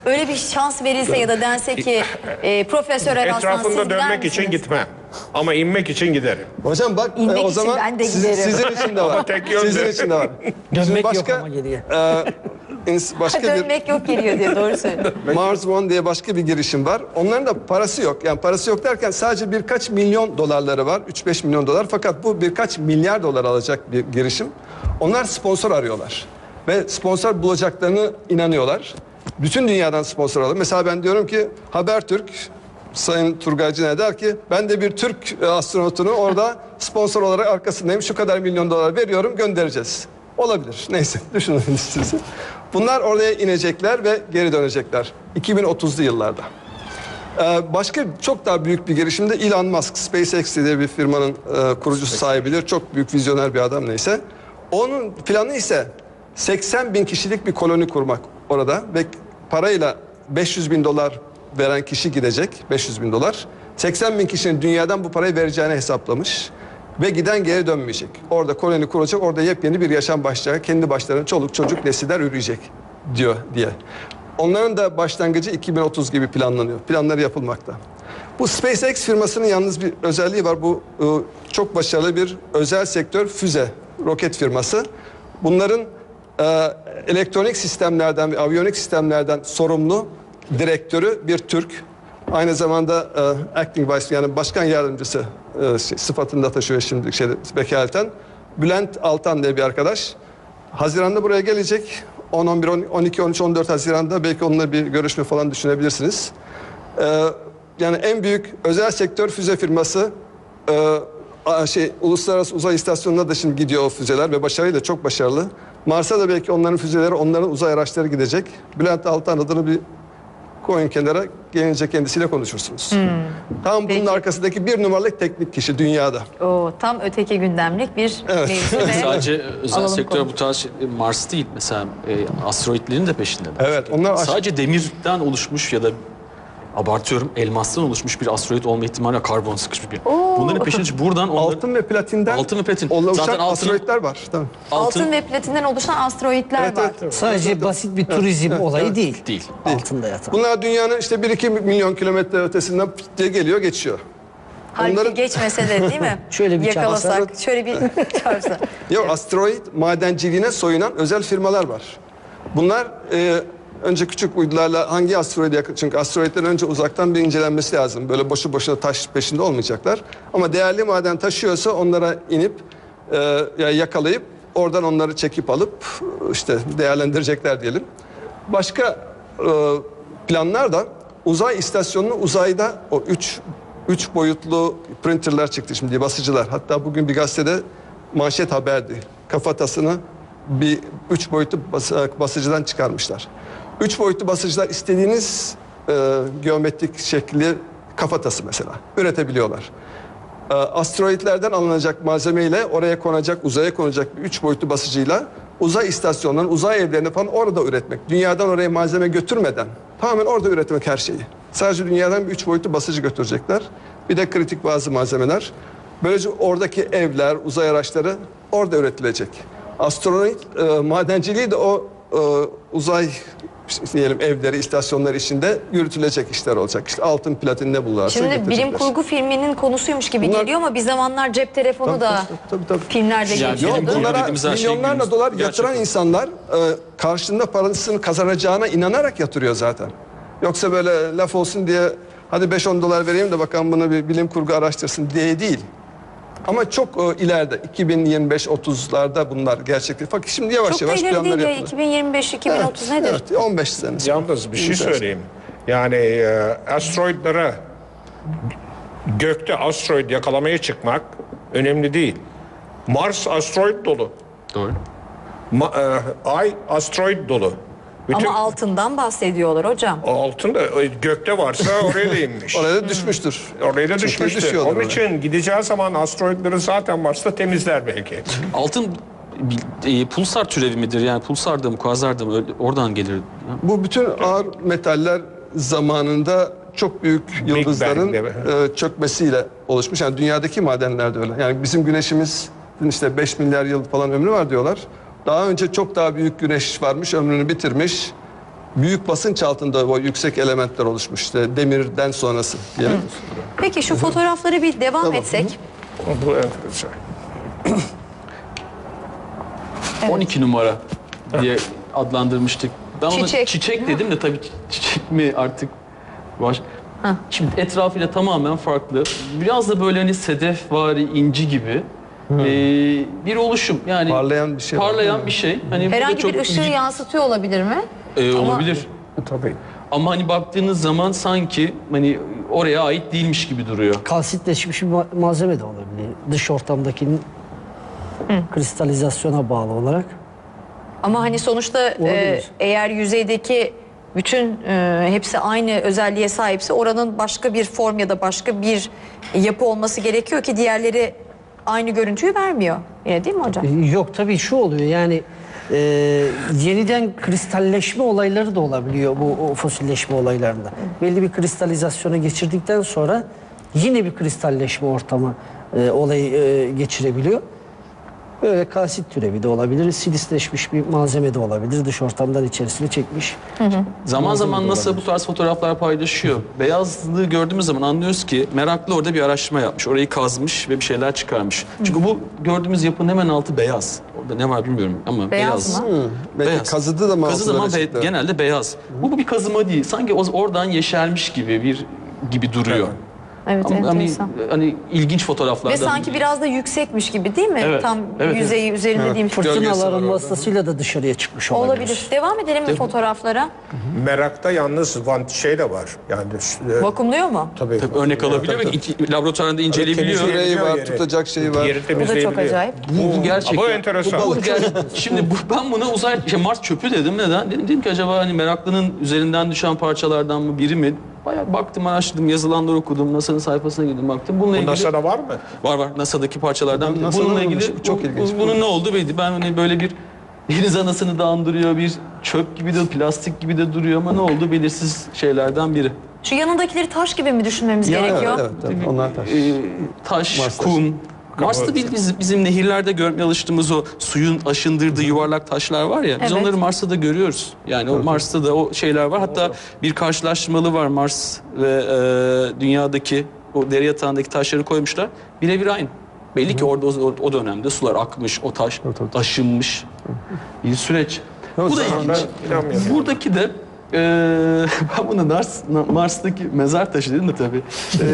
Öyle bir şans verilse ya da dense ki Profesör Eraslan siz Etrafında gider dönmek için misiniz? gitmem. Ama inmek için giderim. Hocam bak İnmek o için zaman ben de giderim. sizin için de var. tek yönde. Sizin için de var. Dönmek yok başka, ama geriye. başka bir Dönmek yok geliyor diye doğru söylüyor. Mars One diye başka bir girişim var. Onların da parası yok. Yani parası yok derken sadece birkaç milyon dolarları var. 3-5 milyon dolar. Fakat bu birkaç milyar dolar alacak bir girişim. Onlar sponsor arıyorlar. Ve sponsor bulacaklarını inanıyorlar. Bütün dünyadan sponsor alıyor. Mesela ben diyorum ki Habertürk, Sayın Turgaycı ne der ki ben de bir Türk astronotunu orada sponsor olarak arkasındayım. Şu kadar milyon dolar veriyorum, göndereceğiz. Olabilir. Neyse düşünün siz. Bunlar oraya inecekler ve geri dönecekler. 2030'lu yıllarda. Başka çok daha büyük bir girişimde Elon Musk, SpaceX diye bir firmanın kurucusu sahibidir. Çok büyük vizyoner bir adam neyse. Onun planı ise 80 bin kişilik bir koloni kurmak orada ve parayla 500 bin dolar veren kişi gidecek, 500 bin dolar. 80 bin kişinin dünyadan bu parayı vereceğini hesaplamış ve giden geri dönmeyecek. Orada koloni kurulacak, orada yepyeni bir yaşam başlayacak. Kendi başlarına çoluk çocuk nesiller üreyecek diye. Onların da başlangıcı 2030 gibi planlanıyor. Planları yapılmakta. Bu SpaceX firmasının yalnız bir özelliği var. Bu çok başarılı bir özel sektör füze, roket firması. Bunların elektronik sistemlerden ve aviyonik sistemlerden sorumlu direktörü bir Türk. Aynı zamanda acting vice yani başkan yardımcısı sıfatını taşıyor şimdi vekaleten. Bülent Altan diye bir arkadaş. Haziran'da buraya gelecek. 10, 11, 12, 13, 14 Haziran'da belki onunla bir görüşme falan düşünebilirsiniz. Yani en büyük özel sektör füze firması Uluslararası Uzay İstasyonu'na da şimdi gidiyor o füzeler ve başarıyla çok başarılı. Mars'a da belki onların füzeleri, onların uzay araçları gidecek. Bülent Altan adını bir koyun kenara, gelince kendisiyle konuşursunuz. Tam bunun arkasındaki bir numaralı teknik kişi dünyada. O tam öteki gündemlik bir mevzu ve Sadece özel alalım sektör konu. bu tarz Mars değil mesela asteroidlerin de peşindeler. Evet, onlar Sadece demirden oluşmuş ya da abartıyorum elmastan oluşmuş bir asteroid olma ihtimali var, karbon sıkışmış bir. Bunların peşinde buradan altın ve platinden Altın ve platin. oluşan Zaten altının- asteroidler var. Tamam. Altın ve platinden oluşan asteroidler Evet, var. evet. Sadece basit bir turizm olayı değil. Değil. Altında yatan. Bunlar dünyanın işte 1-2 milyon kilometre ötesinden diye geliyor geçiyor. Halbuki Onların- geçmese de değil mi? Şöyle bir yakalasak, şöyle bir çarpsa. Yok, asteroid madenciliğine soyunan özel firmalar var. Bunlar önce küçük uydularla hangi asteroide yakın, çünkü asteroidlerin önce uzaktan bir incelenmesi lazım. Böyle boşu boşuna taş peşinde olmayacaklar. Ama değerli maden taşıyorsa onlara inip yakalayıp oradan onları çekip alıp işte değerlendirecekler diyelim. Başka planlar da uzay istasyonunu uzayda o üç boyutlu printerler çıktı şimdi, basıcılar. Hatta bugün bir gazetede manşet haberdi. Kafatasını bir 3 boyutlu basıcıdan çıkarmışlar. 3 boyutlu basıcılar istediğiniz geometrik şekli kafatası mesela üretebiliyorlar. Asteroidlerden alınacak malzemeyle oraya konacak, uzaya konacak bir 3 boyutlu basıcıyla uzay istasyonlarının, uzay evlerini falan orada üretmek. Dünyadan oraya malzeme götürmeden tamamen orada üretmek her şeyi. Sadece dünyadan bir 3 boyutlu basıcı götürecekler. Bir de kritik bazı malzemeler. Böylece oradaki evler, uzay araçları orada üretilecek. Astronomi madenciliği de o uzay diyelim evleri, istasyonları içinde yürütülecek işler olacak. İşte altın, platin ne bulurlarsa Şimdi bilim getirecekler. kurgu filminin konusuymuş gibi Bunlar- geliyor ama bir zamanlar cep telefonu da Tabii. filmlerde Yani geçiyordu. bilim kurgu Bunlara dediğimiz her şey milyonlarla günümüz- dolar gerçekten. yatıran insanlar karşılığında parasını kazanacağına inanarak yatırıyor zaten. Yoksa böyle laf olsun diye hadi 5-10 dolar vereyim de bakalım bunu bir bilim kurgu araştırsın diye değil. Ama çok ileride 2025-30'larda bunlar gerçekleşecek. Fakat şimdi yavaş Çok da yavaş ileri planlar değil ya. yapılıyor. 2025-2030 nedir? Evet, 15 sene. Yalnız bir şey söyleyeyim. Yani asteroidlere gökte asteroid yakalamaya çıkmak önemli değil. Mars asteroid dolu. Doğru. Ay asteroid dolu. Bütün Ama altından bahsediyorlar hocam. altın da gökte varsa oraya da inmiş. Oraya da düşmüştür. Oraya da Çünkü düşmüştür. düşüyordur Onun oraya. için gideceği zaman asteroidleri zaten Mars'ta temizler belki. Altın pulsar türevi midir? Yani pulsar da mı, kuazar da mı? Oradan gelir. Bu bütün ağır metaller zamanında çok büyük yıldızların Bang'de. çökmesiyle oluşmuş. Yani dünyadaki madenler de öyle. Yani bizim güneşimizin işte 5 milyar yıl falan ömrü var diyorlar. Daha önce çok daha büyük güneş varmış, ömrünü bitirmiş. büyük basınç altında o yüksek elementler oluşmuş. İşte demirden sonrası diyelim. Peki şu fotoğrafları bir devam etsek. Bu enteresan. 12 numara diye adlandırmıştık. Ben ona Çiçek. çiçek dedim de tabii çiçek mi artık baş. Şimdi etrafıyla tamamen farklı. Biraz da böyle hani sedefvari inci gibi bir oluşum. Yani Parlayan bir şey var. Parlayan bir şey. Hani burada Herhangi çok bir ışığı yansıtıyor olabilir mi? olabilir. Tabii. Ama hani baktığınız zaman sanki hani oraya ait değilmiş gibi duruyor. Kalsitleşmiş bir malzeme de olabilir. Dış ortamdakinin kristalizasyona bağlı olarak. Ama hani sonuçta Olabilir. eğer yüzeydeki bütün hepsi aynı özelliğe sahipse oranın başka bir form ya da başka bir yapı olması gerekiyor ki diğerleri aynı görüntüyü vermiyor. Yine değil mi hocam? Yok tabii şu oluyor yani yeniden kristalleşme olayları da olabiliyor bu o fosilleşme olaylarında. Belli bir kristalizasyona geçirdikten sonra yine bir kristalleşme ortamı olayı geçirebiliyor. Böyle kalsit türevi de olabilir, silisleşmiş bir malzeme de olabilir, dış ortamdan içerisine çekmiş. Zaman zaman NASA bu tarz fotoğraflar paylaşıyor. Beyazlığı gördüğümüz zaman anlıyoruz ki meraklı orada bir araştırma yapmış. Orayı kazmış ve bir şeyler çıkarmış. Çünkü bu gördüğümüz yapının hemen altı beyaz. Orada ne var bilmiyorum ama Beyaz mı? Belki Beyaz. kazıdı da mı Kazıdı altına ama çıktı? genelde beyaz. Bu bir kazıma değil. Sanki oradan yeşermiş gibi duruyor. Evet, Ama enteresan. hani ilginç fotoğraflardan. Ve sanki biraz da yüksekmiş gibi değil mi? Evet, Tam evet, yüzeyi üzerinde değilmiş. Gölgesi var Fırtınaların orada. vasıtasıyla da dışarıya çıkmış olabilir. Olabilir. Devam edelim mi fotoğraflara? Merakta yalnız şey de var. Yani Vakumluyor mu? tabii. Tabii örnek alabiliyor ve laboratuvarda inceleyebiliyor. temizliyor. Yüreği var, Yeri. tutacak şeyi var. Yeri Bu da temizleyebiliyor. çok acayip. Bu gerçekten. Bu enteresan. Şimdi ben buna Mars çöpü dedim. Neden? Dedim ki acaba hani meraklının üzerinden düşen parçalardan mı biri mi? Bayağı baktım, araştırdım, yazılanları okudum. NASA'nın sayfasına girdim, baktım. Bununla Bu ilgili NASA'da var mı? var NASA'daki parçalardan. NASA'da Bununla varmış. ilgili Çok ilginç. bunun ne oldu belli. Ben hani böyle bir deniz anasını da andırıyor, bir çöp gibi de plastik gibi de duruyor ama ne oldu belirsiz şeylerden biri. Şu yanındakileri taş gibi mi düşünmemiz Ya, gerekiyor? Evet, tabii. Onlar taş. Taş, Mars taşı. kum. Mars'ta bizim nehirlerde görmeye alıştığımız o suyun aşındırdığı yuvarlak taşlar var ya. Biz Evet. onları Mars'ta da görüyoruz. Yani o Mars'ta da o şeyler var. Hatta bir karşılaştırmalı var, Mars ve dünyadaki o dere yatağındaki taşları koymuşlar. Birebir aynı. Belli ki orada o dönemde sular akmış, o taş aşınmış bir süreç. Bu da ilginç. İnanmıyorum. Buradaki de ben buna Mars'taki mezar taşı dedim de tabii.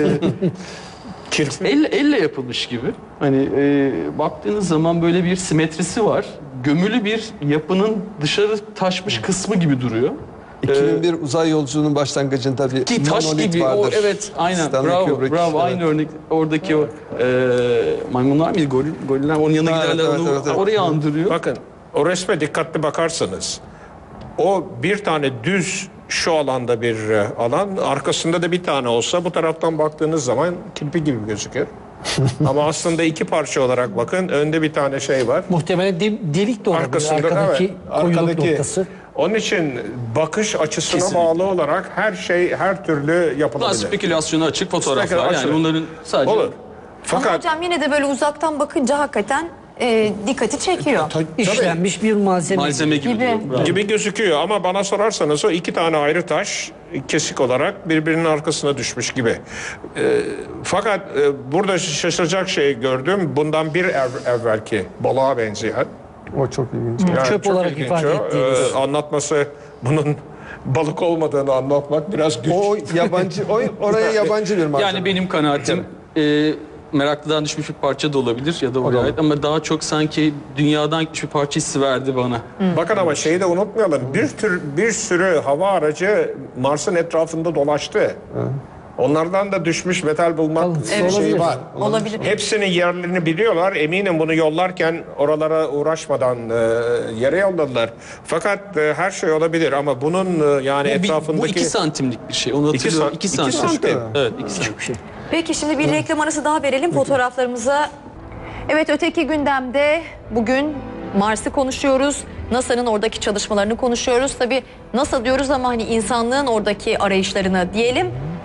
Elle yapılmış gibi. Hani baktığınız zaman böyle bir simetrisi var. Gömülü bir yapının dışarı taşmış kısmı gibi duruyor. 2001 uzay yolculuğunun başlangıcında bir Ki taş monolit gibi vardır. o, evet aynen, Stanley bravo Kubrick, bravo, evet. aynı örnek oradaki o maymunlar mıydı, goriller onun yanına Evet, giderler, evet, onu evet, evet. oraya andırıyor. Bakın o resme dikkatli bakarsanız o bir tane düz şu alanda bir alan, arkasında da bir tane olsa bu taraftan baktığınız zaman kirpi gibi gözükür. Ama aslında iki parça olarak bakın, önde bir tane şey var. Muhtemelen delik de olabilir. Arkasında Arkadaki koyuluk noktası. Onun için bakış açısına Kesinlikle. bağlı olarak her şey her türlü Daha yapılabilir. spekülasyona açık fotoğraflar, Spekülasyon. yani bunların sadece Olur. Ama Fakat hocam yine de böyle uzaktan bakınca hakikaten dikkati çekiyor. İşlenmiş bir malzeme gibi. Gibi. duruyor. Bravo. gibi gözüküyor ama bana sorarsanız o iki tane ayrı taş kesik olarak birbirinin arkasına düşmüş gibi. Fakat burada şaşıracak şey gördüm. Bundan bir evvelki balığa benzeyen. O çok ilginç. Yani Çöp çok olarak ilginç ifade o. ettiğiniz. Anlatması bunun balık olmadığını anlatmak biraz güç. O yabancı, oraya yabancı bir malzeme. Yani benim kanaatim meraklıdan düşmüş bir parça da olabilir ya da oraya ait, ama daha çok sanki dünyadan gitmiş bir parça hissi verdi bana. Bakın ama şeyi de unutmayalım. Bir sürü hava aracı Mars'ın etrafında dolaştı. Onlardan da düşmüş metal bulmak Evet. şeyi Olabilir. var. Olabilir. Hepsinin yerlerini biliyorlar. Eminim bunu yollarken oralara uğraşmadan yere yolladılar. Fakat her şey olabilir ama bunun yani etrafındaki... Bu 2 santimlik bir şey. Onu hatırlıyorum. 2 santim. santim. Evet, 2 santim. Peki şimdi bir reklam arası daha verelim fotoğraflarımıza. Evet, öteki gündemde bugün Mars'ı konuşuyoruz. NASA'nın oradaki çalışmalarını konuşuyoruz. Tabii NASA diyoruz ama hani insanlığın oradaki arayışlarını diyelim.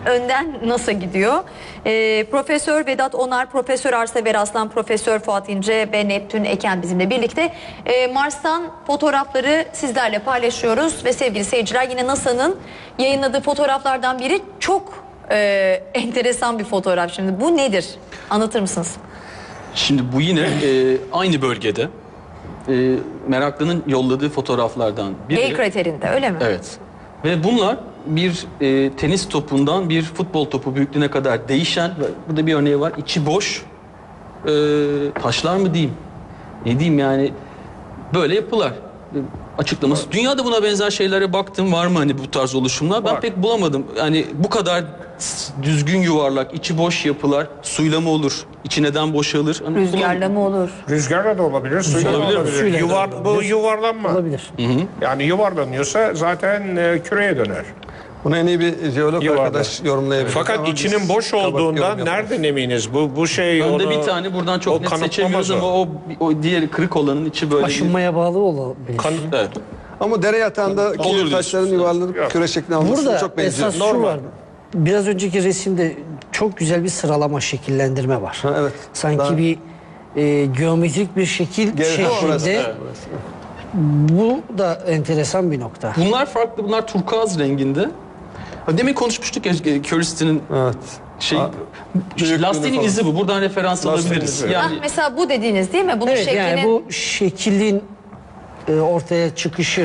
önden NASA gidiyor. Profesör Vedat Onar, Profesör Arsever Aslan, Profesör Fuat İnce ve Neptün Eken bizimle birlikte. Mars'tan fotoğrafları sizlerle paylaşıyoruz ve sevgili seyirciler, yine NASA'nın yayınladığı fotoğraflardan biri çok enteresan bir fotoğraf. Şimdi bu nedir? Anlatır mısınız? Şimdi bu yine aynı bölgede meraklının yolladığı fotoğraflardan biri. Gale kraterinde, öyle mi? Evet. Ve bunlar bir tenis topundan bir futbol topu büyüklüğüne kadar değişen, burada bir örneği var, içi boş taşlar mı diyeyim, ne diyeyim yani, böyle yapılar. Açıklaması. Dünyada buna benzer şeylere baktım, var mı hani bu tarz oluşumlar? Ben pek bulamadım. Yani bu kadar düzgün yuvarlak, içi boş yapılar suyla mı olur? İçi neden boşalır? Hani Rüzgarla mı olur? Rüzgarla da olabilir, suyla da Olabilir. olabilir. Suyla da Bu olabilir. yuvarlanma. Olabilir. Yani yuvarlanıyorsa zaten küreye döner. Bunu en iyi bir jeolog Yuvarlak. arkadaş yorumlayabilir. Fakat Ama içinin biz boş kabarık yorum olduğundan yapamayız. nereden eminiz? Bu şey Önde onu, bir tane buradan o çok net kanıtlamaz seçemiyoruz o. ama o diğeri kırık olanın içi böyle. Aşınmaya bağlı olabilir. Evet. Ama dere yatağındaki Olur taşların diyorsun. yuvarlanıp Yok. küre şeklinde alması Burada çok benziyor. esas şu var. Biraz önceki resimde çok güzel bir sıralama, şekillendirme var. Ha, evet. Sanki Daha- bir geometrik bir şekil Burası, şeklinde. evet. Bu da enteresan bir nokta. Bunlar farklı, bunlar turkuaz renginde. Ha, demin konuşmuştuk ya Curiosity'nin Evet. şey, büyüklüğünü lastiğinin falan. izi bu. Buradan referans Lastiğin alabiliriz. izi. Ah, Yani mesela bu dediğiniz değil mi? Bunun Evet, şeklini... yani bu şekilin ortaya çıkışı,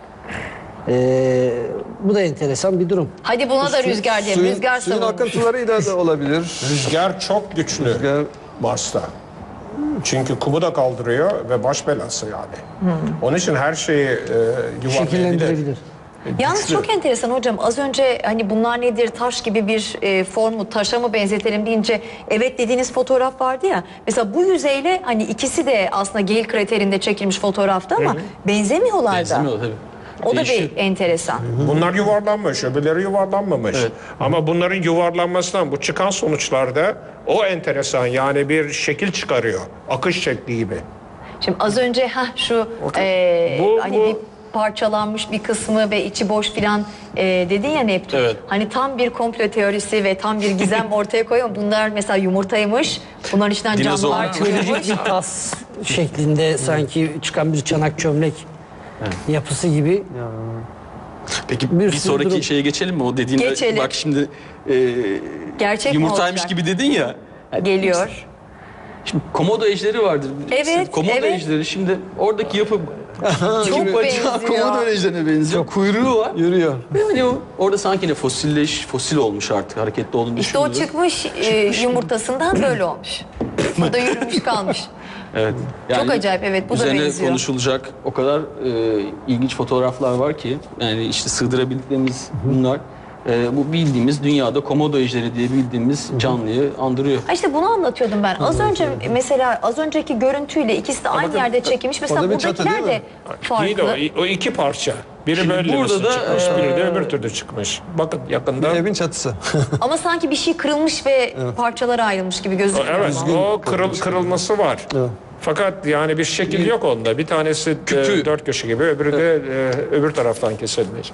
bu da enteresan bir durum. Hadi buna da rüzgar diyelim. Rüzgar Suyun savunmuş. akıntılarıyla da olabilir. Rüzgar çok güçlü Rüzgar- Mars'ta. Çünkü kumu da kaldırıyor ve baş belası yani. Onun için her şeyi yuvarlayabilir. Şekillendirebilir. Yalnız Güçlü. çok enteresan hocam. Az önce hani bunlar nedir, taş gibi bir formu, taşa mı benzetelim deyince evet dediğiniz fotoğraf vardı ya. Mesela bu yüzeyle hani ikisi de aslında Gale kraterinde çekilmiş fotoğrafta ama benzemiyorlar da. benzemiyor tabii. O da Değişiyor. bir enteresan. Bunlar yuvarlanmış, öbürleri yuvarlanmamış. Evet. Ama bunların yuvarlanmasından bu çıkan sonuçlarda o enteresan, yani bir şekil çıkarıyor. Akış şekli gibi. Şimdi az önce şu hani bu- bir parçalanmış bir kısmı ve içi boş filan dedin ya Neptün. Evet. Hani tam bir komplo teorisi ve tam bir gizem ortaya koyuyor. Bunlar mesela yumurtaymış. Bunların içinden Dinozor. canlılar çıkıyormuş. Biyolojik bir tas şeklinde sanki çıkan bir çanak çömlek yapısı gibi. Peki Bir bir sürü sonraki durum. şeye geçelim mi? O dediğinde Geçelim. bak şimdi Gerçek mi yumurtaymış olacak? gibi dedin ya. Yani Geliyor. Şimdi komodo ejderi vardır. Evet, Komodo evet. ejderi şimdi oradaki yapı Çok bacağı benziyor. komodo ejderine benziyor. Kuyruğu var. Yürüyor. Yani orada sanki ne fosil olmuş artık, hareketli olduğunu İşte o düşünülür. çıkmış yumurtasından böyle olmuş. O da yürümüş kalmış. Evet. Çok acayip, evet, bu da üzerine benziyor. konuşulacak o kadar ilginç fotoğraflar var ki, yani işte sığdırabildiklerimiz bunlar. Bu bildiğimiz dünyada komodo ejderi diye bildiğimiz canlıyı andırıyor. Ha işte bunu anlatıyordum ben. Az önce mesela az önceki görüntüyle ikisi de aynı bakın, yerde çekilmiş. Mesela orada bir çatı buradakiler değil de Değil de farklı. o iki parça. Biri Şimdi böyle burada da, çıkmış, biri de öbür türlü çıkmış. Bakın yakında. Evin çatısı. Ama sanki bir şey kırılmış ve parçalara ayrılmış gibi gözüküyor. Evet, ama. o kırılması var. Fakat yani bir şekil yok onda. Bir tanesi Kütüğü. dört köşe gibi, öbürü de öbür taraftan kesilmiş.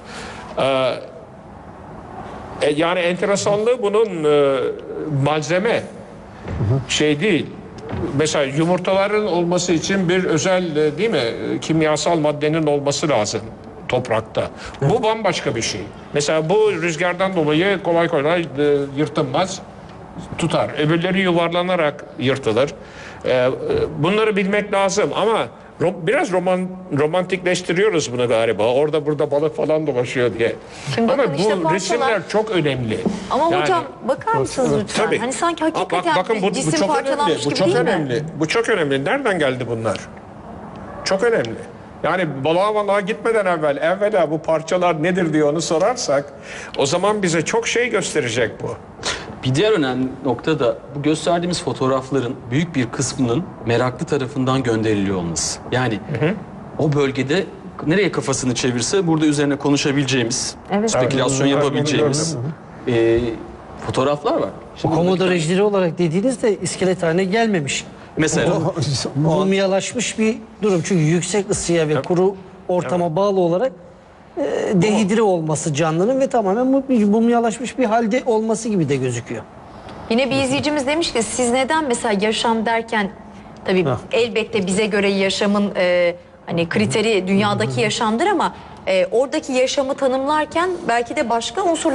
Yani enteresanlığı bunun malzeme şey değil. Mesela yumurtaların olması için bir özel değil mi kimyasal maddenin olması lazım toprakta. Bu bambaşka bir şey. Mesela bu rüzgardan dolayı kolay kolay yırtılmaz, tutar. Öbürleri yuvarlanarak yırtılır. Bunları bilmek lazım ama biraz romantikleştiriyoruz bunu galiba. Orada burada balık falan dolaşıyor diye. Şimdi Ama bakın bu işte parçalar- resimler çok önemli. Ama Yani- hocam bakar mısınız lütfen? Tabii. Hani sanki hakikaten bakın bu cisim çok önemli. parçalanmış Bu gibi çok değil önemli. mi? Bu çok önemli. Nereden geldi bunlar? Çok önemli. Yani balığa gitmeden evvela bu parçalar nedir diye onu sorarsak o zaman bize çok şey gösterecek bu. Bir diğer önemli nokta da bu gösterdiğimiz fotoğrafların büyük bir kısmının meraklı tarafından gönderiliyor olması. Yani o bölgede nereye kafasını çevirse burada üzerine konuşabileceğimiz, Evet. spekülasyon Evet, yapabileceğimiz fotoğraflar var. O Şimdi komodo buradaki- ejderi olarak dediğinizde iskelet haline gelmemiş. Mesela Mumyalaşmış bir durum. Çünkü yüksek ısıya ve kuru ortama bağlı olarak dehidre olması canlının ve tamamen mumyalaşmış bir halde olması gibi de gözüküyor. Yine bir izleyicimiz demiş ki siz neden mesela yaşam derken tabii elbette bize göre yaşamın hani kriteri dünyadaki yaşamdır ama oradaki yaşamı tanımlarken belki de başka unsurlar